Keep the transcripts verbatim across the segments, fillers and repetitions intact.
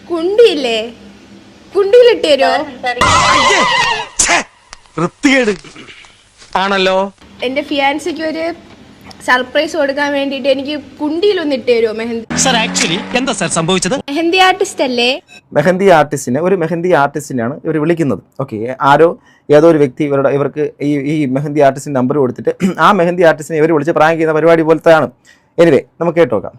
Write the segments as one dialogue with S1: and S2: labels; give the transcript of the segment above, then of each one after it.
S1: കുണ്ടിയില്ലേ, കുണ്ടിയിലിട്ട് തരുമോ?
S2: ആണല്ലോ.
S1: എന്റെ ഫിയാൻസിക്ക് ഒരു സർപ്രൈസ് കൊടുക്കാൻ വേണ്ടിട്ട് എനിക്ക് കുണ്ടിയിലൊന്ന് ഇട്ട് തരുമോ മെഹന്തി?
S3: സർ ആക്ച്വലി എന്താ സർ സംഭവിച്ചത്?
S1: മെഹന്തി ആർട്ടിസ്റ്റ് അല്ലേ?
S4: മെഹന്തി ആർട്ടിസ്റ്റിനെ ഒരു മെഹന്തി ആർട്ടിസ്റ്റിനെയാണ് ഇവർ വിളിക്കുന്നത്. ഓക്കെ, ആരോ ഏതോ ഒരു വ്യക്തി ഇവരുടെ ഇവർക്ക് ഈ ഈ മെഹന്തി ആർട്ടിസ്റ്റിന് നമ്പർ കൊടുത്തിട്ട് ആ മെഹന്തി ആർട്ടിസ്റ്റിനെ ഇവർ വിളിച്ച് പ്രാങ്ക് ചെയ്യുന്ന പരിപാടി പോലത്തെയാണ്. എനിവേ, നമുക്ക് കേട്ടോക്കാം.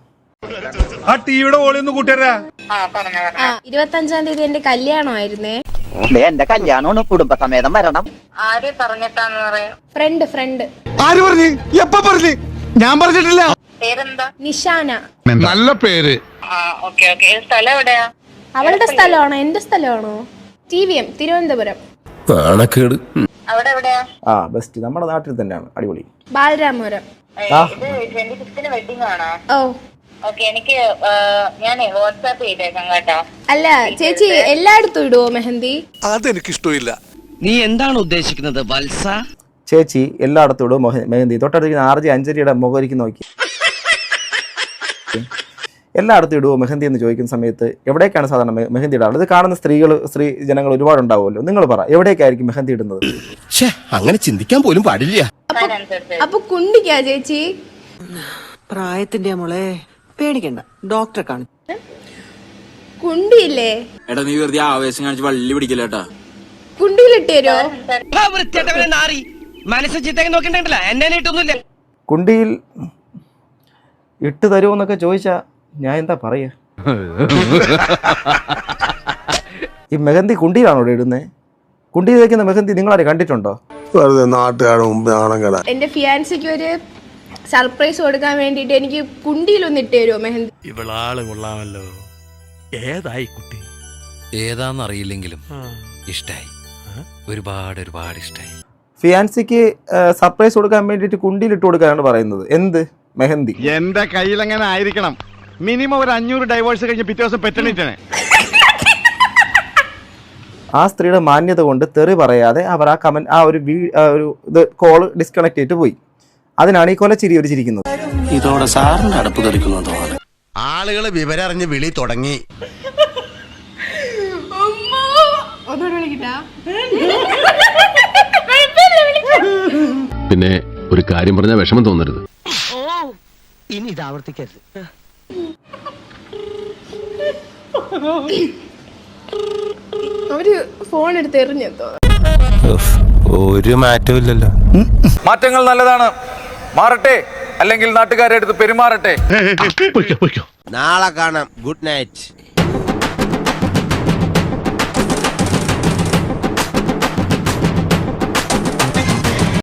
S1: ഇരുപത്തി അഞ്ചാം തീയതി എന്റെ കല്യാണമായിരുന്നേ.
S5: എന്റെ കല്യാണമാണ്, കുടുംബസമേതം വരണം.
S6: ആര് പറഞ്ഞിട്ടാന്ന് പറയാ?
S1: ഫ്രണ്ട് ഫ്രണ്ട്
S2: ആര് പറഞ്ഞു? എപ്പ പറഞ്ഞു? ഞാൻ പറഞ്ഞിട്ടില്ല.
S6: പേരെന്താ?
S1: നിഷാന.
S7: നല്ല പേര്.
S6: Okay okay. സ്ഥലം എവിടെയാ?
S1: അവളുടെ സ്ഥലമാണോ എന്റെ സ്ഥലമാണോ? T V M Thiruvananthapuram.
S6: അവിടെ എവിടെയാ?
S4: ആ ബെസ്റ്റ്, നമ്മുടെ നാട്ടിൽ തന്നെയാണ്. അടിപൊളി.
S1: ബാലരാമപുരം.
S6: ഇത് ട്വന്റി ഫിഫ്തിന് വെഡിങ് ആണോ?
S1: ഓ
S6: ഓക്കെ. എനിക്ക് ഞാനേ വാട്സാപ്പ് ചെയ്തേക്കാം കേട്ടോ.
S1: അല്ല ചേച്ചി, എല്ലായിടത്തും ഇടുവോ മെഹന്തി?
S7: അതെനിക്കിഷ്ടമില്ല.
S3: നീ എന്താണ് ഉദ്ദേശിക്കുന്നത് വത്സ?
S4: ചേച്ചി എല്ലായിടത്തും ഇടും മെഹന്തി. തൊട്ടടുത്ത് ആർ ജി അഞ്ജലിയുടെ മുഖരിക്ക് നോക്കി. എല്ലായിടത്തും ഇടുവോ മെഹന്തി എന്ന് ചോദിക്കുന്ന സമയത്ത് എവിടേക്കാണ് സാധാരണ മെഹന്തി ഇടാറ്? ഇത് കാണുന്ന സ്ത്രീകൾ സ്ത്രീ ജനങ്ങൾ ഒരുപാടുണ്ടാവുമല്ലോ. നിങ്ങൾ പറ, എവിടേക്കായിരിക്കും മെഹന്തി ഇടുന്നത്?
S7: അങ്ങനെ ചിന്തിക്കാൻ പോലും പാടില്ല.
S1: അപ്പൊ കുണ്ടിക്കാ ചേച്ചി?
S8: പ്രായത്തിന്റെ മോളെ പേടിക്കണ്ട, ഡോക്ടറെ കാണും.
S1: കുണ്ടിയില്ലേ?
S9: എടാ നീ വെറുതെ ആവേശം കാണിച്ച് വള്ളി പിടിക്കില്ലേട്ടാ.
S1: കുണ്ടിയിലിട്ട് തരുമോ?
S3: മനസ്സ് ചിത്തേക്ക് നോക്കിണ്ടല്ല, എന്നെ ഇട്ടൊന്നുമില്ല.
S4: കുണ്ടിയിൽ ഇട്ട് തരുമോന്നൊക്കെ ചോദിച്ചാ ഞാൻ എന്താ പറയാ? ഈ മെഹന്തി കുണ്ടിയിലാണോ ഇവിടെ ഇടുന്നത്? കുണ്ടിയിൽ വയ്ക്കുന്ന മെഹന്തി നിങ്ങളാരെ കണ്ടിട്ടുണ്ടോ?
S1: എന്റെ ഫിയാൻസിക്ക് ഒരു സർപ്രൈസ് കൊടുക്കാൻ വേണ്ടിട്ട് എനിക്ക് കുണ്ടിയിലൊന്ന് ഇട്ട് തരുമോ മെഹന്തി?
S10: ഇവളാള് കൊള്ളാമല്ലോ. ഏതായി കുട്ടി?
S11: ഏതാന്നറിയില്ലെങ്കിലും ഇഷ്ടായി, ഒരുപാട് ഒരുപാട് ഇഷ്ടായി.
S4: ഫിയാൻസിക്ക് സർപ്രൈസ് കൊടുക്കാൻ വേണ്ടിയിട്ട് കുണ്ടിയിൽ ഇട്ട് കൊടുക്കാനാണ് പറയുന്നത്. എന്ത് മെഹന്തി?
S7: എന്റെ കയ്യിൽ എങ്ങനെ ആയിരിക്കണം? മിനിമം ഒരു അഞ്ഞൂറ് ഡൈവേഴ്സ് കഴിഞ്ഞ് പിറ്റേ ദിവസം പെറ്റണിട്ടാണ്.
S4: ആ സ്ത്രീയുടെ മാന്യത കൊണ്ട് തെറി പറയാതെ അവർ ആ കമന്റ് ആ ഒരു ഒരു ഇത് കോള് ഡിസ്കണക്ട് ചെയ്തിട്ട് പോയി. അതിനാണ് ഈ കൊലച്ചിരി ഒരു ചിരിക്കുന്നത്.
S3: ഇതോടെ സാറിന്റെ അടുപ്പ് തെറിക്കുന്നതോ?
S7: ആളുകള് വിവരം അറിഞ്ഞ് വിളി തുടങ്ങി.
S12: പിന്നെ ഒരു കാര്യം പറഞ്ഞാൽ വിഷമം തോന്നരുത്.
S3: ഇനി ഇത് ആവർത്തിക്കരുത്.
S1: അവര് ഫോൺ എടുത്ത് എറിഞ്ഞെത്തോ?
S2: ഒരു മാറ്റവും ഇല്ലല്ലോ.
S9: മാറ്റങ്ങൾ നല്ലതാണ്, മാറട്ടെ, അല്ലെങ്കിൽ നാട്ടുകാരെ അടുത്ത് പെരുമാറട്ടെ.
S7: നാളെ കാണാം. Good night.